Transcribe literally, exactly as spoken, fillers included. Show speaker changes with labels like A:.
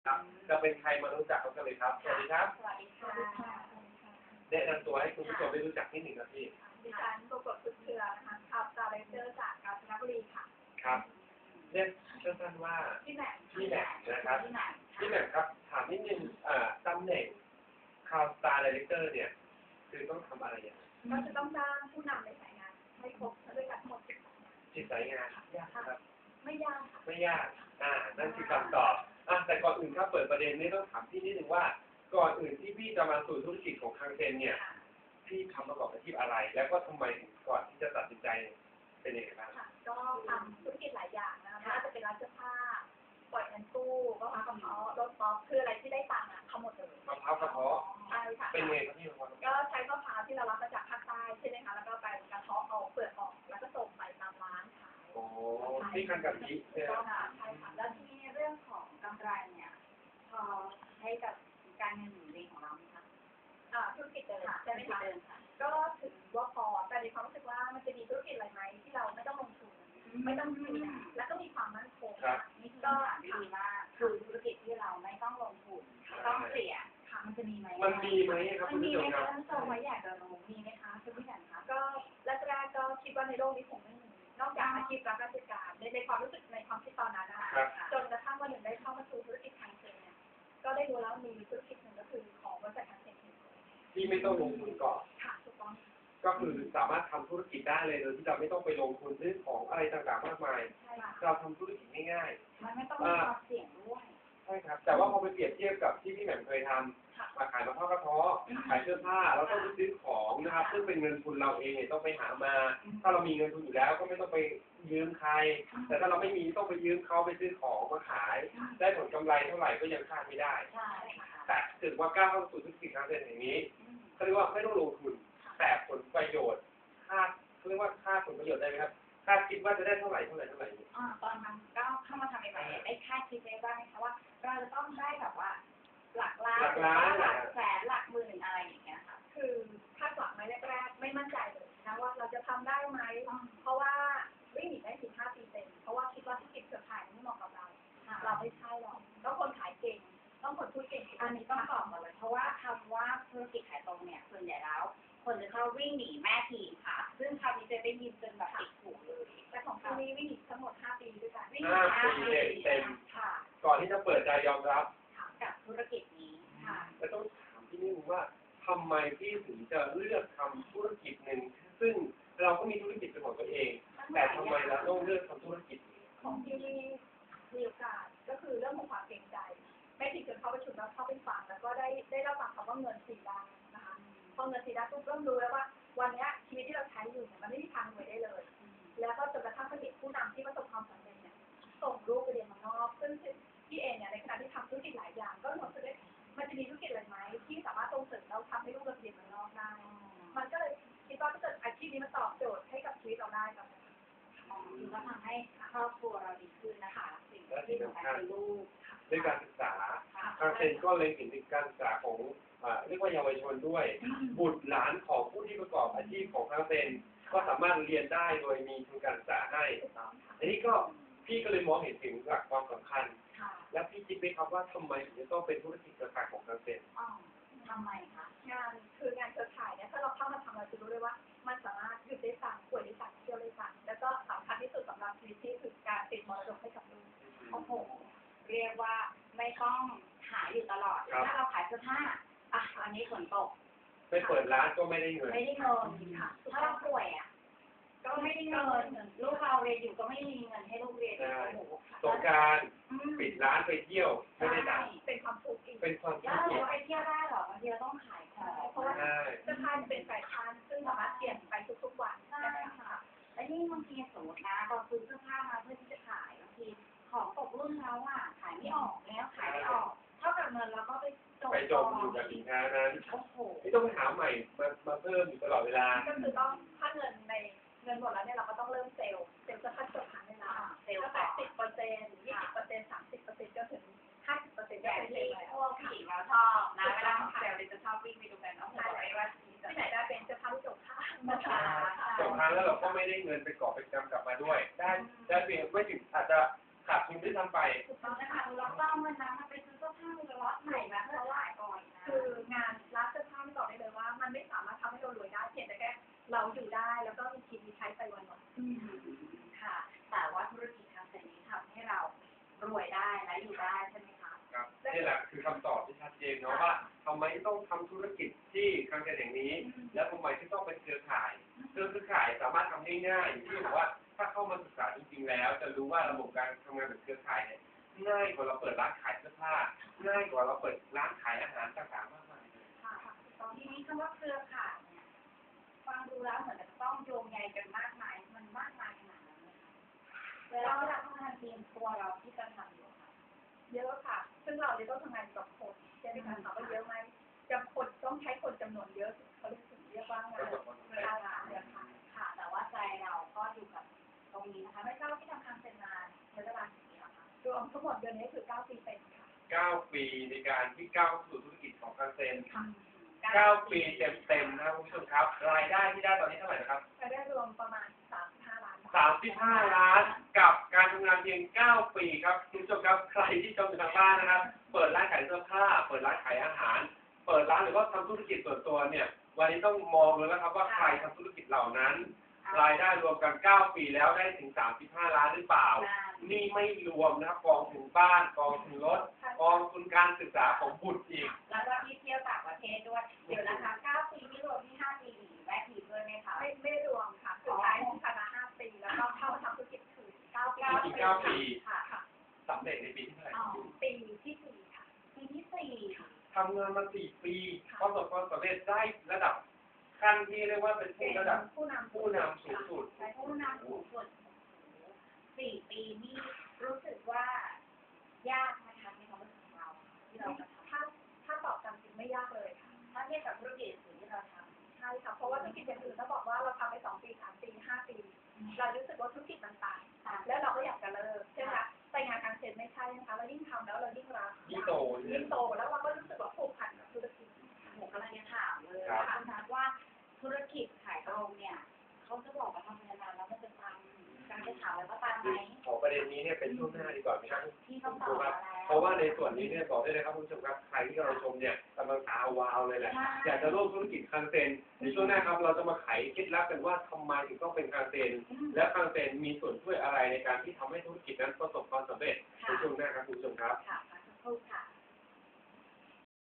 A: ครับจะเป็นใครมารู้จักกันเลยครับสวัสดีครับ
B: สวัสดีค่ะ
A: แนะนำตัวให้คุณผู้ชมได้รู้จักนิดหนึ่งครับพี่
B: ดิฉันปรากฏสุดเชือนะคะขับซาเลเจอร์จากกาญจนบุรีค่ะ
A: ครับเรียกสั้นๆว่า
B: พี่แหม่ม
A: พี่แหม่มนะครับ
B: พี่แหม่ม
A: พี่แหม่มครับถามนิดนึงอ่าตำแหน่งข่าวสตาร์ไดเรคเตอร์เนี่ยคือต้องทำอะไรอย่างไร
B: ก็จะต้องจ้างผู้นำในสายงานให้ครบด้วยกันทั้งหมดสิบสายงาน
A: สิบสายงานยากครับ
B: ไม่ยากค่ะ
A: ไม่ยากอ่านั่นคือคำตอบอ่าแต่ก่อนอื่นครับเปิดประเด็นนี้ต้องถามพี่นิดนึงว่าก่อนอื่นที่พี่จะมาสู่ธุรกิจของทางเซนเนี่ยพี่ทำประกอบอาชีพอะไร แล้วก็ทำไมก่อนที่จะตัดสินใจเป็นยังไงบ้าง
B: ก็ทำธุรกิจหลายอย่างนะคะไม่ว่าจะเป็นร้านเสื้อผ้าปล่อยเงินกู้ก็ทำกระเพาะรถป๊อปคืออะไรที่ได้ตังค์อ่ะทำหมดเลย
A: กระเพาะกระเพาะ
B: ใช่ค่ะ
A: เป็นไงครับพี่
B: ก็ใช้มะพร้าวที่เรารับมาจากภาคใต้ใช่ไหมคะแล้วก็ไปกระเทาะเอาเปลือกออกแล้วก็ส่งไปตามร้านขาย
A: โอ้ที่คันกะทิ
B: ใช่ค่ะใช่ค่ะแล้วที่นี่เรื่องของกำไรเนี่ยพอให้กับการเงินหมุนเวียนของเราไหมคะอ่าธุรกิจเดิมใช่ไหมคะก็ถือว่าพอแต่ในความรู้สึกว่ามันจะมีธุรกิจอะไรไหมที่เราไม่ต้องลงทุนไม่ต้องเสี่ยงแล้วก็มีความมั่นคงนี่ก็ดีมากคือธุรกิจที่เราไม่ต้องลงทุนต้องเสี่ยงค่ะมันจะมีไหม
A: มันมีไหมครับ
B: มันมีไหมคะท่านผู้ชมว่าอยากจะรู้มีไหมคะคุณผู้ชมคะก็แรกๆก็คิดว่าในโลกนี้คงไม่มีนอกจากอาชีพรับราชการในในความรู้สึกในความคิดตอนนั้นนะคะจนกระทั่งวันหนึ่งได้เข้ามาสู่ธุรกิจทางเทรนเนี่ยก็ได้รู้แล้วมีธุรกิจหนึ่งก็คือของบริษัททางเทรน
A: ที่ไม่ต้องลงทุนก่อน
B: ค่ะถูกต้อง
A: ก็คือสามารถทำธุรกิจได้เลยโดยที่เราไม่ต้องไปลงทุนซื้อของอะไรต่างๆมากมายเราทำธุรกิจง่าย
B: ๆมันไม่ต้องมีความเสี่ยงด้วย
A: ใช่ครับแต่ว่าพอไปเปรียบเทียบกับที่พี่แหม่มเคยทำมาขายมะพร้าวกระเทาะขายเสื้อผ้าเราต้องไปซื้อของนะครับซึ่งเป็นเงินทุนเราเองเนี่ยต้องไปหามาถ้าเรามีเงินทุนอยู่แล้วก็ไม่ต้องไปยืมใครแต่ถ้าเราไม่มีต้องไปยืมเขาไปซื้อของมาขายได้ผลกำไรเท่าไหร่ก็ยังคาดไม่ได้แต่ถือว่าก้าวเข้าสู่ธุรกิจทางเศรษฐกิจนี้เขาเรียกว่าไม่ต้องลงทุนแต่ผลประโยชน์คาดเขาเรียกว่าคาดผลประโยชน์ได้ไหมครับคาดคิดว่าจะได้เท่าไหร่เท่าไหร่เท่าไหร่
B: อ่าตอนนั้นก็เข้ามาทำใหม่ๆได้คาดคิดได้บ้างไหมคะว่าเราจะต้องได้แบบว่าหลักล้าน
A: หลักล้าน
B: หลักแสนหลักหมื่นอะไรอย่างเงี้ยค่ะคือคาดหวังไหมแรกๆไม่มั่นใจเลยนะว่าเราจะทำได้ไหมเพราะว่าวิ่งหนีได้สิบห้าปีเต็มเพราะว่าคิดว่าธุรกิจเครือข่ายไม่เหมาะกับเราเราไม่ใช่หรอกต้องคนขายเก่งต้องคนพูดเก่งอันนี้ต้องตอบก่อนเลยเพราะว่าคำว่าธุรกิจขายตรงเนี่ยส่วนใหญ่แล้วคนจะชอบวิ่งหนีแม่ทีมค่ะซึ่งคำนี้จะได้ยินจนแบบติดหูเลยแต่ของคุณนี่วิ่งหนีทั้งหมดห้าปีด้วยกันวิ่งหนี
A: ห้าปีเต็ม
B: ค่ะ
A: ก่อนที่จะเปิดใจยอมรับ
B: กับธุรกิจนี้ค่ะ
A: แต่ต้องถามพี่นิ่มว่าทำไมพี่ถึงจะเลือกทำธุรกิจหนึ่งซึ่งเราก็มีธุรกิจเป็นของตัวเองแต่ทำไมเราต้องเลือกทำธุรกิจ
B: ของที่มีโอกาสก็คือเรื่องของความเกรงใจไม่ถึงจนเข้าประชุมแล้วเข้าเป็นฝั่งแล้วก็ได้ได้รับฟังคำว่าเงินสี่ด้านนะคะพอเงินสี่ด้านปุ๊บเริ่มรู้แล้วว่าวันนี้ชีวิตที่เราใช้อยู่เนี่ยมันไม่มีทางรวยได้เลยแล้วก็จนกระทั่งผลิตผู้นำที่ประสบความสำเร็จเนี่ยส่งลูกไปเรียนเมืองนอกซึ่งพี่เองเนี่ยในขณะที่ทำธุรกิจหลายอย่างก็รู้สึกว่ามันจะมีธุรกิจอะไรไหมที่สามารถส่งเสริมเราทำให้ลูกเราเรียนเมืองนอกได้มันก็เลยคิดว่าถ้าเกิดอาชีพนี้มันตอบโจทย์ให้กับชีวิตเราได้แบบคือว่าทำให้ครอบครัวเราดีขึ้นนะคะสิ่งที่สำคัญคือลูก
A: ด้วยการศึกษาทางเซนก็เลยเห็นถึงการศึกษาของเรียกว่าเยาวชนด้วยบุตรหลานของผู้ที่ประกอบอาชีพของทางเซนก็สามารถเรียนได้โดยมีทุนการศึกษาให้อันนี้ก็พี่ก็เลยมองเห็นถึงหลักความสำคัญและพี่คิดไหมครับว่าทำไมถึงจะต้องเป็นธุรกิจเครือข่ายของทางเซน
B: ทำไมคะงานคืองานเครือข่ายเนี่ยถ้าเราเข้ามาทำเราจะรู้เลยว่ามันสามารถหยุดได้สั่งป่วยได้สั่งเที่ยวได้สั่งแล้วก็สำคัญที่สุดสำหรับชีวิตที่คือการติดมรดกให้กับลูกโอ้โหเรียกว่าไม่ต้องหาอยู่ตลอดถ้าเราขายเสื้อผ้าอ่ะอันนี้ฝนตก
A: ไม่เปิดร้านก็ไม่ได้เงิน
B: ไม่ได้เงินค่ะถ้าเราป่วยอ่ะก็ไม่ได้เงินลูกเราเรียนอยู่ก็ไม่มีเงินให้ลูกเรียนโอ้โห
A: สงการปิดร้านไปเที่ยวไม่ได้ตังค์
B: เป็นความทุกข์
A: เป็นความทุกข์
B: แล้วเราไปเที่ยวได้หรอบางทีเราต้องขายของเพราะว่าเสื้อผ้าเป็นแฟชั่นซึ่งสามารถเปลี่ยนไปทุกๆวันใช่ค่ะและนี่บางทีสมมตินะเราซื้อเสื้อผ้ามาเพื่อที่จะขายบางทีของตกรุ่นแล้วอ่ะขายไม่ออกแล้วขายไม่ออกเท่ากับเงินเราก็ไปจม
A: ไปจมอยู่กับสินค้านั้นไม่ต้องไปหาใหม่มามาเพิ่มอยู่ตลอดเวลา
B: ก็คือต้องถ้าเงินในเงินหมดแล้วเนี่ยเราก็ต้องเริ่มเซลล์เซลล์จะคัดจบหาเวลาเซลล์แปดสิบเปอร์เซ็นต์ยี่สิบเปอร์เซ็นต์สามสิบเปอร์เซ็นต์จนถึงห้าสิบเปอร์เซ็นต์ก็เป็นที่พวกผู้หญิงเราชอบนะเวลาเซลล์จะชอบวิ่งไปดูกันเนาะใช่ว่าที่ไหนได้เป็นจะทำจบค่านะคะ
A: จบค่าแล้วเราก็ไม่ได้เงินไปกอบไปจำกลับมาด้วยได้ได้เพียงไม่ถึงอาจจะขาดทุนด้วยซ้ำไป
B: ถูกต้องนะคะเราต้องเงินนั้นมาไปซื้อเสื้อผ
A: นี่แหละคือคำตอบที่ชัดเจนเนาะว่าทำไมต้องทำธุรกิจที่คางเกษตรอย่างนี้ แล้วทำไมที่ต้องเป็นเครือข่ายเครือข่ายสามารถทำได้ง่ายอย่างที่บอกว่าถ้าเข้ามาศึกษาจริงๆแล้ว จะรู้ว่าระบบการทำงานแบบเครือข่ายเนี่ยง่ายกว่าเราเปิดร้านขายเสื้อผ้าง่ายกว่าเราเปิดร้านขายอาหารต่างๆมากมายเลย
C: ค่ะตอนนี้คำว่าเครือข่ายเนี่ยฟังดูแล้วเหมือนจะต้องโยงใยกันมากมายมันมากมายขนาดนั้นเลยค่ะเวลาเราทำงานทีมตัวเราที่จะทำอยู่ค่ะ
B: เยอะค่ะ ซึ่งเราจะต้องทำงานกับคนใช่ไหมคะถามว่าเยอะไหมจำคนต้องใช้คนจำนวนเยอะเขาเรียกถึงเรียกว่างานเวลาหาเดือนค่ะ
C: ค่ะ แต่ว่าใจเราก็อยู่กับตรงนี้นะคะ ไม่ทราบที่ทำงานเป็นนานใช้เวลากี่ปีแล้วคะ
B: รวมทั้งหมดเดือนนี้คือเก้าปีเต็มค่ะ
A: เก้า ปีในการที่ก้าวสู่ธุรกิจของคางเซน
B: ค่ะ
A: เก้า ปีเต็มๆนะครับคุณผู้ชมครับ รายได้ที่ได้ตอนนี้เท่าไหร่นะครับ
B: รายได้รวมประมาณสามสิบห้าล้านบาท
A: สามสิบห้า ล้านกับการทำงานเพียง เก้า ปีครับคุณผู้ชมครับใครที่ชมอยู่ทางบ้านนะครับ เปิดร้านขายเสื้อผ้า เปิดร้านขายอาหาร เปิดร้านหรือว่าทำธุรกิจส่วนตัวเนี่ย วันนี้ต้องมองเลยนะครับว่าใครทำธุรกิจเหล่านั้น รายได้รวมกัน เก้า ปีแล้วได้ถึง สามสิบห้า ล้านหรือเปล่า นี่ไม่รวมนะครับกองทุนบ้าน กองทุนรถ กองทุนการศึกษาของบุตรอีก
C: แล้วก็ที่เที่ยวต่างประเทศด้วย เดี๋ยวนะคะเก้าปีที่รวมที่ห้าปีแวะอีกด้วยไหมคะ
B: ไม่ไม่รวมค่ะคือใช้ที่คณะห้าปีแล้วก็เข้ามาทำธุรกิจคือเก้าปี
A: อีกเก้าปี
B: ค่ะค่ะ
A: สำเร็จในปีที่เท่าไหร่
C: อ๋อ
B: ปีที่สี่ค่ะ
C: ปีที่สี่
A: ทำงานมาสี่ปีประสบความสำเร็จได้ระดับขั้นที่เรียกว่าเป็นผู้ระดับ
B: ผู้นำ
A: ผู้นำสูงสุด
C: ใช้ผู้นำสูงสุดสี่ปีนี่รู้สึกว่ายากนะคะในความรู้สึกของเราที่เราจะท
B: ถ้าถ้าตอบตามจริงไม่ยากเลยค่ะ
C: ำถ้าเทียบกับธุรกิจอื่นที่เราท
B: ใช่ค่ะ เพราะว่าธุรกิจอย่างอื่นถ้าบอกว่าเราทำไปสองปีสามปีห้าปี เรารู้สึกว่าธุรกิจมันตาย
C: ำค่ะ
B: แล้วเราก็อยากจะเลิกใช่ไหมคะแต่งานการเซ็นไม่ใช่นะคะเรายิ่งทำแล้วเรายิ่งรัก
A: ยิ่งโต
B: ยิ่งโตแล้วเราก็รู้สึกว่าผูกพันกับธุรกิจ
C: ผมกำลังจะถามเลย
A: ครับ
C: ค่ะคุณนัทว่าธุรกิจขายตรงเนี่ยเขาจะบอกว่าทำมานานแล้วมันจะตามการจะถามแล้วก็ตามไหม
A: ขอประเด็นนี้เนี่ยเป็นช่วงหน้าดีกว่าไหมครับ
C: ที่เขาตอบมาแล้ว
A: เพราะว่าในส่วนนี้เนี่ยบอกได้เลยครับคุณผู้ชมครับใครที่กำลังชมเนี่ยกำลังตาวาวเลยแหละอยากจะร่วมธุรกิจคางเซนในช่วงหน้าครับเราจะมาไขเคล็ดลับกันว่าทำไมถึงต้องเป็นคางเซนและคางเซนมีส่วนช่วยอะไรในการที่ทำให้ธุรกิจนั้นประสบความสำเร็จในช่วงหน้าครับคุณผู้ชมครับ
C: ค่ะพักสักครู่ค่ะ